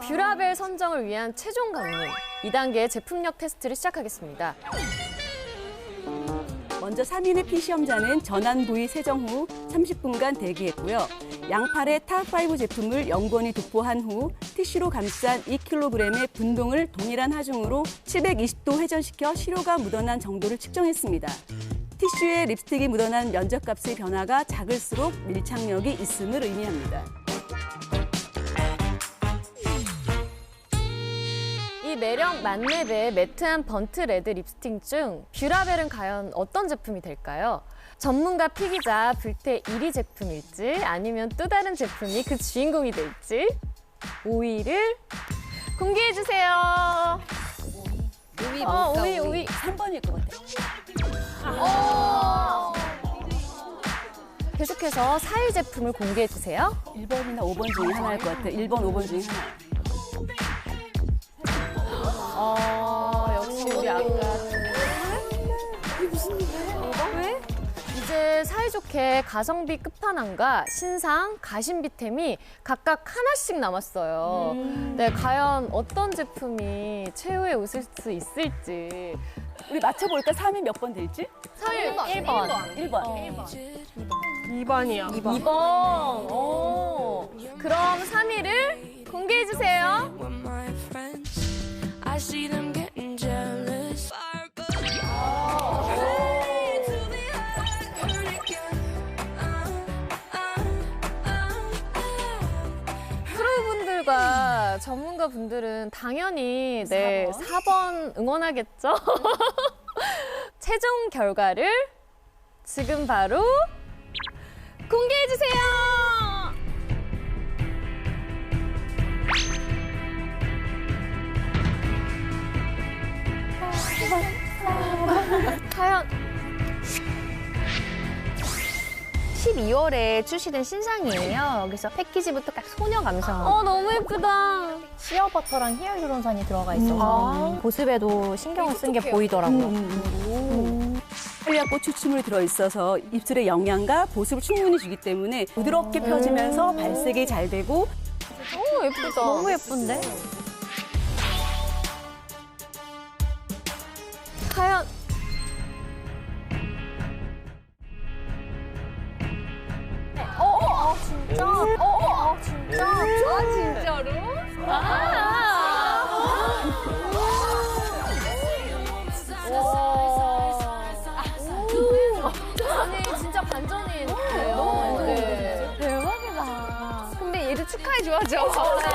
뷰라벨 선정을 위한 최종 관문 2단계 제품력 테스트를 시작하겠습니다. 먼저 3인의 피시험자는 전환 부위 세정 후 30분간 대기했고요. 양팔의 탑5 제품을 영건히 도포한 후 티슈로 감싼 2kg의 분동을 동일한 하중으로 720도 회전시켜 시료가 묻어난 정도를 측정했습니다. 티슈에 립스틱이 묻어난 면적값의 변화가 작을수록 밀착력이 있음을 의미합니다. 이 매력 만렙의 매트한 번트 레드 립스틱 중 뷰라벨은 과연 어떤 제품이 될까요? 전문가 피기자 불태 1위 제품일지 아니면 또 다른 제품이 그 주인공이 될지 5위를 공개해주세요. 5위 뭘까? 5위. 3번일 것 같아요. 계속해서 4위 제품을 공개해주세요. 1번이나 5번 중에 하나일 것 같아요. 1번, 5번 중에 하나. 역시 우리 아까 이게 무슨 일이야? 왜? 이제 사이좋게 가성비 끝판왕과 신상, 가심비템이 각각 하나씩 남았어요. 네, 과연 어떤 제품이 최후에 웃을 수 있을지. 우리 맞춰볼까? 3위 몇 번 될지? 3위 1번. 2번이요. 2번. 오. 그럼 3위를 공개해주세요. I see them getting jealous. 프로분들과 전문가분들은 당연히 네, 4번 응원하겠죠? 최종 결과를 지금 바로 공개해주세요! 과연 12월에 출시된 신상이에요. 그래서 패키지부터 딱 소녀 감성. 너무 예쁘다. 시어버터랑 히알루론산이 들어가 있어서 보습에도 신경을 쓴 게 보이더라고요. 한리아꽃 추출물이 들어있어서 입술에 영양과 보습을 충분히 주기 때문에 부드럽게 펴지면서 발색이 잘 되고 예쁘다. 너무 예쁜데? 과연 진짜로? 아니 진짜 반전이에요. 대박이다. 근데 얘도 축하해줘야죠.